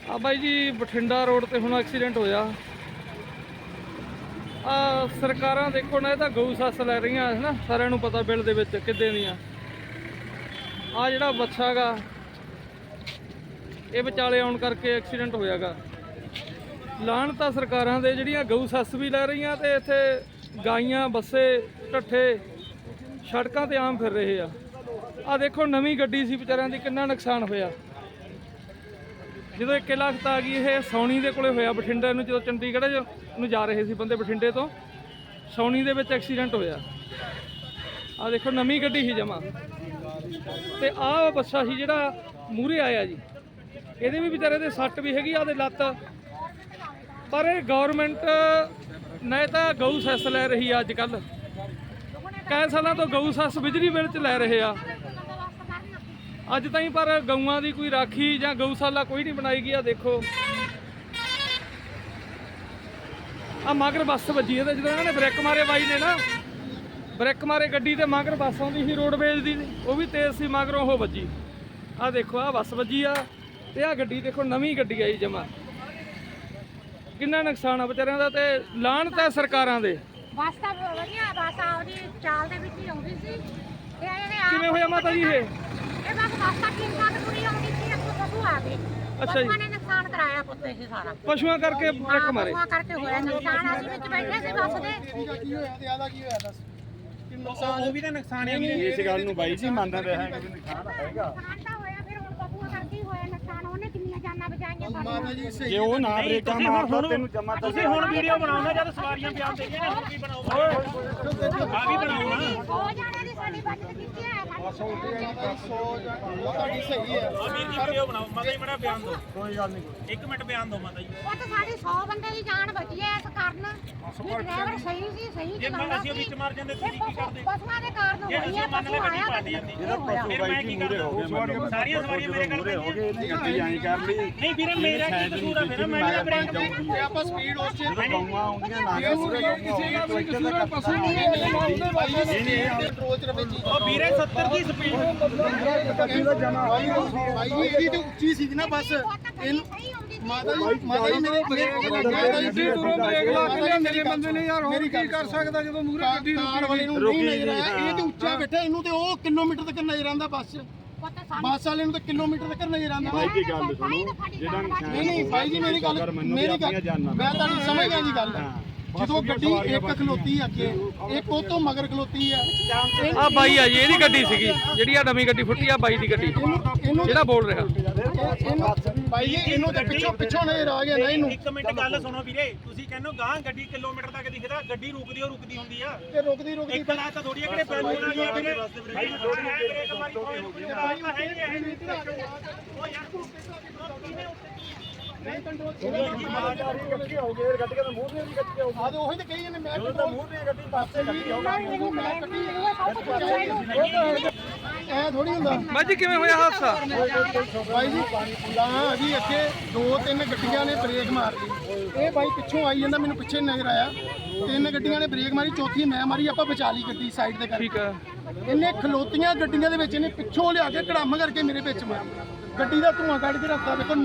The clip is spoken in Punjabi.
ਆ ਬਾਈ ਜੀ ਬਠਿੰਡਾ ਰੋਡ ਤੇ ਹੁਣ ਐਕਸੀਡੈਂਟ ਹੋਇਆ। ਆ ਸਰਕਾਰਾਂ ਦੇਖੋ ਨਾ, ਇਹ ਤਾਂ ਗਊ ਸੱਸ ਲੈ ਰਹੀਆਂ ਹੈ ਨਾ, ਸਾਰਿਆਂ ਨੂੰ ਪਤਾ ਬਿੱਲ ਦੇ ਵਿੱਚ ਕਿੱਦਾਂ ਦੀਆਂ। ਆ ਜਿਹੜਾ ਬੱਚਾ ਗਾ ਇਹ ਵਿਚਾਲੇ ਆਉਣ ਕਰਕੇ ਐਕਸੀਡੈਂਟ ਹੋਇਆਗਾ। ਲਾਹਣ ਤਾਂ ਸਰਕਾਰਾਂ ਦੇ, ਜਿਹੜੀਆਂ ਗਊ ਸੱਸ ਵੀ ਲੈ ਰਹੀਆਂ ਤੇ ਇੱਥੇ ਗਾਈਆਂ ਬੱਸੇ ਢੱਠੇ ਸੜਕਾਂ ਤੇ ਆਮ ਫਿਰ ਰਹੇ ਆ। ਆ ਦੇਖੋ ਨਵੀਂ ਗੱਡੀ ਸੀ ਵਿਚਾਰਿਆਂ ਦੀ, ਕਿੰਨਾ ਨੁਕਸਾਨ ਹੋਇਆ। ਜਦੋਂ 1 ਲੱਖ ਆ ਗਈ। ਇਹ ਸੌਣੀ ਦੇ ਕੋਲੇ ਹੋਇਆ ਬਠਿੰਡੇ ਨੂੰ, ਜਦੋਂ ਚੰਡੀਗੜ੍ਹ ਨੂੰ ਜਾ ਰਹੇ ਸੀ ਬੰਦੇ ਬਠਿੰਡੇ ਤੋਂ, ਸੌਣੀ ਦੇ ਵਿੱਚ ਐਕਸੀਡੈਂਟ ਹੋਇਆ। ਆ ਦੇਖੋ ਨਵੀਂ ਗੱਡੀ ਸੀ ਜਮਾ, ਤੇ ਆਹ ਬੱਸਾ ਸੀ ਜਿਹੜਾ ਮੂਹਰੇ ਆਇਆ ਜੀ, ਇਹਦੇ ਵੀ ਵਿਚਾਰੇ ਦੇ ਸੱਟ ਵੀ ਹੈਗੀ ਆ ਦੇ ਲੱਤ। ਪਰ ਇਹ ਗੌਰਮੈਂਟ ਨਾ ਤਾਂ ਗਊ ਸੈਸ ਲੈ ਰਹੀ ਆ ਅੱਜ ਕੱਲ੍ਹ, ਕਈ ਸਾਲਾਂ ਤੋਂ ਗਊ ਸੈਸ ਬਿਜਲੀ ਬਿੱਲ 'ਚ ਲੈ ਰਹੇ ਆ ਅੱਜ ਤਾਈਂ, ਪਰ ਗਊਆਂ ਦੀ ਕੋਈ ਰਾਖੀ ਜਾਂ ਗਊਸ਼ਾਲਾ ਕੋਈ ਨਹੀਂ ਬਣਾਈ ਗਈ। ਆ ਦੇਖੋ ਆ ਮਗਰ ਬੱਸ ਵੱਜੀ ਇਹਦੇ, ਜਦੋਂ ਇਹਨਾਂ ਨੇ ਬ੍ਰੇਕ ਮਾਰੇ ਬਾਈ ਨੇ ਨਾ, ਬ੍ਰੇਕ ਮਾਰੇ ਗੱਡੀ ਤੇ ਮਗਰ ਬੱਸ ਆਉਂਦੀ ਸੀ ਰੋਡਵੇਜ਼ ਦੀ, ਉਹ ਵੀ ਤੇਜ਼ ਸੀ, ਮਗਰੋਂ ਉਹ ਵੱਜੀ। ਆ ਦੇਖੋ ਆ ਬੱਸ ਵੱਜੀ ਆ, ਤੇ ਆ ਗੱਡੀ ਦੇਖੋ ਨਵੀਂ ਗੱਡੀ ਆਈ ਜਮਾ। ਕਿੰਨਾ ਨੁਕਸਾਨ ਆ ਵਿਚਾਰਿਆਂ ਦਾ, ਤੇ ਲਾਹਣ ਤਾਂ ਸਰਕਾਰਾਂ ਦੇ। ਬੱਸ ਤਾਂ ਵਧੀਆ, ਬੱਸ ਆਪਦੀ ਚਾਲ ਦੇ ਵਿੱਚ ਹੀ ਆਉਂਦੀ ਸੀ। ਕਿਵੇਂ ਹੋਇਆ ਮਾਤਾ ਜੀ ਇਹ? ਇਹ ਬੱਸ ਤਾਂ ਠੀਕ ਠਾਕ ਪੂਰੀ ਆਉਂਦੀ ਸੀ, ਅੱਗੋਂ ਪਸ਼ੂ ਆ ਗਏ। ਅੱਛਾ ਜੀ, ਪਸ਼ੂਆਂ ਨੇ ਨੁਕਸਾਨ ਕਰਾਇਆ ਪੁੱਤੇ ਸੀ ਸਾਰਾ। ਪਸ਼ੂਆਂ ਕਰਕੇ ਬ੍ਰੇਕ ਮਾਰੇ। ਪਸ਼ੂਆਂ ਕਰਕੇ ਹੋਇਆ ਨੁਕਸਾਨ। ਅਸੀਂ ਵਿੱਚ ਬੈਠੇ ਸੀ ਬੱਸ ਦੇ। ਕੀ ਹੋਇਆ ਤੇ ਆਦਾ ਕੀ ਹੋਇਆ ਦੱਸ? ਉਹ ਵੀ ਤਾਂ ਨੁਕਸਾਨ ਹੈ। ਇਸ ਗੱਲ ਨੂੰ ਬਾਈ ਜੀ ਮੰਨਦਾ ਰਿਹਾ ਹੈ ਕਿ ਨੁਕਸਾਨ ਹੈਗਾ। ਨੁਕਸਾਨ ਤਾਂ ਹੋਇਆ, ਫਿਰ ਹੁਣ ਪਸ਼ੂਆਂ ਕਰਕੇ ਹੀ ਹੋਇਆ ਨੁਕਸਾਨ। ਉਹਨੇ ਕਿੰਨੀਆਂ ਜਾਨਾਂ ਬਚਾਈਆਂ ਮਾਤਾ ਜੀ ਸਹੀ ਜੇ ਉਹ ਨਾ ਬ੍ਰੇਕਾਂ ਮਾਰਦਾ ਤੈਨੂੰ ਜਮਾ ਤੁਸੀਂ ਹੁਣ ਵੀਡੀਓ ਬਣਾਉਣਾ, ਜਦ ਸਵਾਰੀਆਂ ਬਿਆਨ ਦੇ ਰਹੀਆਂ ਨੇ, ਹੁਣ ਵੀ ਬਣਾਓ। ਆ ਵੀ ਬਣਾਓ ਨਾ। 100 ਜਾਣਿਆਂ ਦੀ ਸਾਡੀ ਬਚਤ ਕੀਤੀ ਹੈ। ਤੁਹਾਡੀ ਸਹੀ ਹੈ। ਆ ਵੀਰ ਜੀ ਵੀਡੀਓ ਬਣਾਓ। ਮਾਤਾ ਜੀ ਬੜਾ ਬਿਆਨ ਦਿਓ। ਕੋਈ ਗੱਲ ਨਹੀਂ, 1 ਮਿੰਟ ਬਿਆਨ ਦਿਓ ਮਾਤਾ ਜੀ। ਉਹ ਤਾਂ ਸਾਡੀ 100 ਬੰਦੇ ਦੀ ਜਾਨ ਬਚੀ ਹੈ ਇਸ ਕਾਰਨ। ਡਰਾਈਵਰ ਸਹੀ ਸੀ, ਸਹੀ ਜੇ ਚਲਾਉਂਦਾ ਅਸੀਂ ਸੀ। ਵਿੱਚ ਮਾਰ ਜਾਂਦੇ ਤੁਸੀਂ ਕੀ ਕਰਦੇ? ਪਸ਼ੂਆਂ ਦੇ ਕਾਰਨ ਹੋਈ ਹੈ। ਪਸ਼ੂ ਆਇਆ ਫਿਰ ਮੈਂ ਕੀ ਕਰਦਾ? ਸਾਰੀਆਂ ਸਵਾਰੀਆਂ ਮੇਰੇ ਗੱਲ ਹੋ ਗਏ, ਗੱਡੀ ਆਈ ਕਰ ਲਈ। ਨਹੀਂ ਵੀਰੇ, ਮੇਰਾ ਕੀ ਕਸੂਰ ਆ? ਫਿਰ ਮੈਂ ਕਿਹਾ ਬ੍ਰੇਕ ਜੇ ਆਪਾਂ ਸਪੀਡ ਉਸ ਚ ਗਊਆਂ ਆਉਂਦੀਆਂ ਨਾ ਪਸ਼ੂ ਕੰਟਰੋਲ ਚ ਰਵੇ ਜੀ। ਉਹ ਵੀਰੇ 70 ਦੀ ਸਪੀਡ। ਭਾਈ ਜੀ ਇਹਦੀ ਤੇ ਉੱਚੀ ਸੀ ਨਾ ਬੱਸ। ਇਹਨੂੰ ਮਾਤਾ ਜੀ ਮੇਰੇ ਮੇਰੇ ਬੰਦੇ ਨੇ ਯਾਰ ਹੋਰ ਕੀ ਕਰ ਸਕਦਾ ਜਦੋਂ ਮੂਹਰੇ ਗੱਡੀ ਕਾਰ ਵਾਲੇ ਨੂੰ ਨਹੀਂ ਨਜ਼ਰ ਆਇਆ। ਇਹ ਤੇ ਉੱਚਾ ਬੈਠਾ, ਇਹਨੂੰ ਤੇ ਉਹ ਕਿਲੋਮੀਟਰ ਤੱਕ ਨਜ਼ਰ ਆਉਂਦਾ। ਬੱਸ ਵਾਲੇ ਨੂੰ ਤਾਂ ਕਿਲੋਮੀਟਰ ਤੱਕ ਨਜ਼ਰ ਆਉਂਦਾ। ਬਾਈ ਕੀ ਗੱਲ ਸੁਣੋ, ਜਿਹੜਾ ਨਹੀਂ ਭਾਈ ਜੀ ਮੇਰੀ ਗੱਲ ਮੈਂ ਤੁਹਾਨੂੰ ਸਮਝ ਗਿਆ ਜੀ ਗੱਲ। ਜਦੋਂ ਗੱਡੀ ਇੱਕ ਖਲੋਤੀ ਅੱਗੇ, ਇੱਕ ਉਹ ਤੋਂ ਮਗਰ ਖਲੋਤੀ ਆ। ਆ ਬਾਈ ਆ ਜੀ, ਇਹਦੀ ਗੱਡੀ ਸੀਗੀ ਜਿਹੜੀ ਆ ਨਵੀਂ ਗੱਡੀ ਫੁੱਟੀ ਆ, ਬਾਈ ਦੀ ਗੱਡੀ ਜਿਹੜਾ ਬੋਲ ਰਿਹਾ। ਭਾਈ ਜੀ ਇਹਨੂੰ ਤੇ ਪਿੱਛੋਂ ਨਜ਼ਰ ਆ ਗਿਆ ਨਾ ਇਹਨੂੰ। 1 ਮਿੰਟ ਗੱਲ ਸੁਣੋ ਵੀਰੇ, ਤੁਸੀਂ ਕਹਿੰਦੇ ਗਾਂ ਗੱਡੀ ਕਿਲੋਮੀਟਰ ਤੱਕ ਦਿਖਦਾ, ਗੱਡੀ ਰੁਕਦੀ ਹੁੰਦੀ ਆ। ਤੇ ਰੁਕਦੀ ਇੱਕ ਲਾ ਤਾਂ ਥੋੜੀ ਕਿਹੜੇ ਬੈਲੂਨ ਆ ਗਿਆ ਵੀਰੇ। ਭਾਈ ਥੋੜੀ ਹੈ ਬ੍ਰੇਕ ਮਾਰੀ ਕੋਈ ਭਾਈ ਹੈ ਨਹੀਂ। ਉਹ ਯਾਰ ਤੂੰ ਕਿਵੇਂ ਨਹੀਂ ਕੰਟਰੋਲ ਗੱਡੀ ਹੋ ਗਈ, ਗੱਡੀ ਦਾ ਮੂੰਹ ਤੇ ਗੱਡੀ ਹੋ ਆ ਤੇ ਉਹੀ ਤੇ ਕਹੀ ਜਾਂਦੇ ਮੈਂ ਗਈ, ਮੂੰਹ ਤੇ ਗੱਡੀ ਪਾਸੇ ਗੱਡੀ ਹੋ ਐ ਥੋੜੀ ਹੁੰਦਾ ਬਾਈ ਜੀ ਕਿਵੇਂ ਹੋਇਆ ਹਾਦਸਾ? ਭਾਈ ਜੀ ਹਾਂ ਜੀ, ਅੱਗੇ 2-3 ਗੱਡੀਆਂ ਨੇ ਬ੍ਰੇਕ ਮਾਰ ਲਈ। ਇਹ ਬਾਈ ਪਿੱਛੋਂ ਆਈ ਜਾਂਦਾ, ਮੈਨੂੰ ਪਿੱਛੇ ਨਜ਼ਰ ਆਇਆ। 3 ਗੱਡੀਆਂ ਨੇ ਬ੍ਰੇਕ ਮਾਰੀ, ਚੌਥੀ ਮੈਂ ਮਾਰੀ। ਆਪਾਂ ਬਚਾ ਲਈ ਗੱਡੀ ਸਾਈਡ ਤੇ ਕਰਕੇ। ਠੀਕ ਆ। ਇਹਨੇ ਖਲੋਤੀਆਂ ਗੱਡੀਆਂ ਦੇ ਵਿੱਚ ਇਹਨੇ ਪਿੱਛੋਂ ਲਿਆ ਕੇ ਕੜਾਮ ਕਰਕੇ ਮੇਰੇ ਵਿੱਚ ਮਾਰੀ। ਗੱਡੀ ਦਾ ਧੂਆਂ ਕੱਢ ਕੇ ਰੱਖਦਾ। ਦੇਖੋ